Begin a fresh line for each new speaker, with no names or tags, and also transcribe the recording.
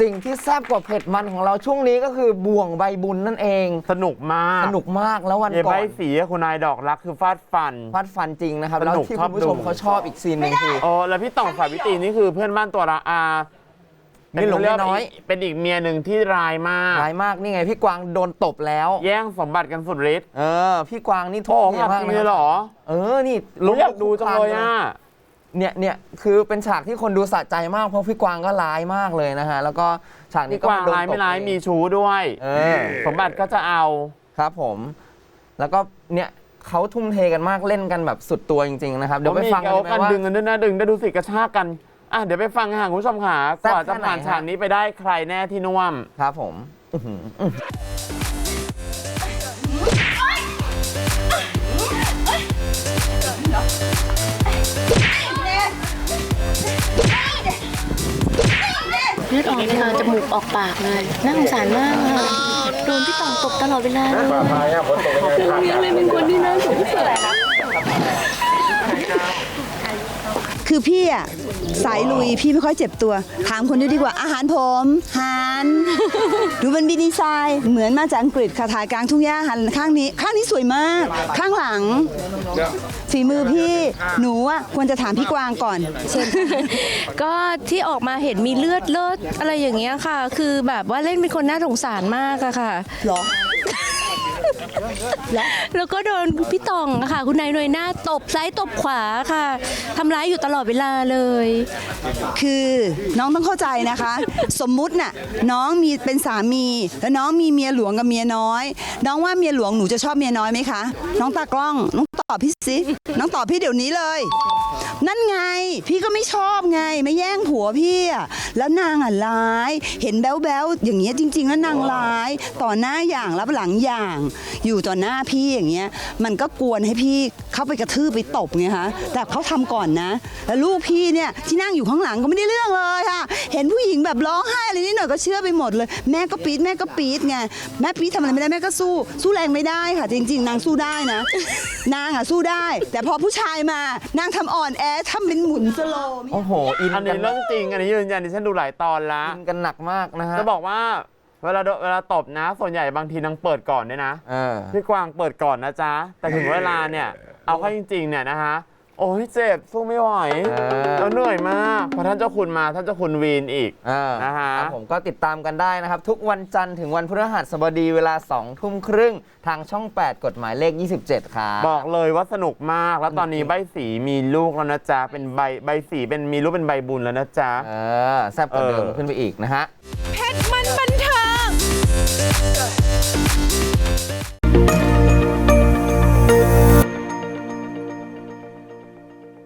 สิ่งที่แซ่บกว่าเผ็ดมันของเราช่วงนี้ก็คือบ่วงใบบุญนั่นเอง
สนุกมาก
แล้ววันก่อน
ใบสีคุณนายดอกรักคือฟาดฟัน
จริงนะครับแล้วที่คุณผู้ชมเขาชอบอีกซีนหนึ่งคือ
แล้วพี่ต่องสาวิตรีนี่คือเพื่อนบ้านตัวละ
เป็นหลงน้อย
เป็นอีกเมียหนึ่งที่ร้ายมาก
นี่ไงพี่กวางโดนตบแล้ว
แย่งสมบัติกันสุดฤทธิ์
พี่กวางนี่ทุกข์มาก
เลยเหรอ
นี่
รู้อยากดูจังเลย
เนี่ยคือเป็นฉากที่คนดูสะใจมากเพราะพี่กวางก็ร้ายมากเลยนะฮะแล้วก็ฉากนี้ก็
โดนตบร้ายไม่ร้ายมีชู้ด้วยสมบัติก็จะเอา
ครับผมแล้วก็เนี่ยเขาทุ่มเทกันมากเล่นกันแบบสุดตัวจริงๆนะครับเดี๋ยวไปฟังกันว่า
ดึงกันด้วยนะดึงได้ดูสิกระชากกันเดี๋ยวไปฟังค่ะคุณผู้ชมค่ะก่อนจะผ่านฉากนี้ไปได้ใครแน่ที่น่วม
ครับผม
เลือดออกในจมูกออกปากเลยน่าสงสารมากค่ะโดนพี่ต่องตบตลอดเวลาเลยเมียเลยเป็นคนที่น่าสงสาร
คือพี่อะสายลุยพี่ไม่ค่อยเจ็บตัวถามคนดีกว่าอาหารผมดูเป็นบีดีไซน์เหมือนมาจากอังกฤษค่ะถ่ายกลางทุ่งหญ้าหันข้างนี้สวยมากข้างหลังฝีมือพี่หนูอะควรจะถามพี่กวางก่อน
ก็ที่ออกมาเห็นมีเลือดอะไรอย่างเงี้ยค่ะคือแบบว่าเล่นเป็นคนน่าสงสารมากอะค่ะ
หรอ
แล้วก็โดนพี่ตองค่ะคุณนายหน่วยหน้าตบซ้ายตบขวาค่ะทำร้ายอยู่ตลอดเวลาเลย
คือน้องต้องเข้าใจนะคะสมมุติน่ะน้องมีเป็นสามีแล้วน้องมีเมียหลวงกับเมียน้อยน้องว่าเมียหลวงหนูจะชอบเมียน้อยไหมคะน้องตากล้องน้องตอบพี่สิน้องตอบพี่เดี๋ยวนี้เลยนั่นไงพี่ก็ไม่ชอบไงไม่แย่งผัวพี่อะแล้วนางอะร้ายเห็นแบ๊วๆอย่างเงี้ยจริงๆแล้วนางร้ายต่อหน้าอย่างรับหลังอย่างอยู่ต่อหน้าพี่อย่างเงี้ยมันก็กวนให้พี่เข้าไปกระทืบไปตบไงคะแต่เขาทำก่อนนะแล้วลูกพี่เนี่ยที่นั่งอยู่ข้างหลังก็ไม่ได้เรื่องเลยค่ะเห็นผู้หญิงแบบร้องไห้อะไรนิดหน่อยก็เชื่อไปหมดเลยแม่ก็ปี๊ดไงแม่ปี๊ดทำอะไรไม่ได้แม่ก็สู้แรงไม่ได้ค่ะจริงๆนางสู้ได้นะนางอะสู้ได้แต่พอผู้ชายมานางทำอ่อนแอทำเป็นหมุนสโลว์
โอ้โห
อันนี้เรื่องจริงอันนี้ยืนยันดิฉันดูหลายตอนละ
อินกันหนักมากนะฮะ
จะบอกว่าเวลาตบนะส่วนใหญ่บางทีนางเปิดก่อนด้วยนะพี่กวางเปิดก่อนนะจ๊ะแต่ถึงเวลาเนี่ยเอาเข้าจริงๆเนี่ยนะฮะโอ้ยเจ็บสู้ไม่ไหวแล้วเหนื่อยมากพอท่านเจ้าคุณมาท่านเจ้าคุณวีนอีกนะฮะ
ผมก็ติดตามกันได้นะครับทุกวันจันทร์ถึงวันพฤหัสบดีเวลา 20:30 ทางช่อง 8 กฎหมายเลข 27 ครับ
บอกเลยว่าสนุกมากแล้วตอนนี้ใบสีมีลูกแล้วนะจ๊ะเป็นใบสีเป็นมีลูกเป็นใบบุญแล้วนะจ๊ะ
แซ่บกว่าเดิมขึ้นไปอีกนะฮะ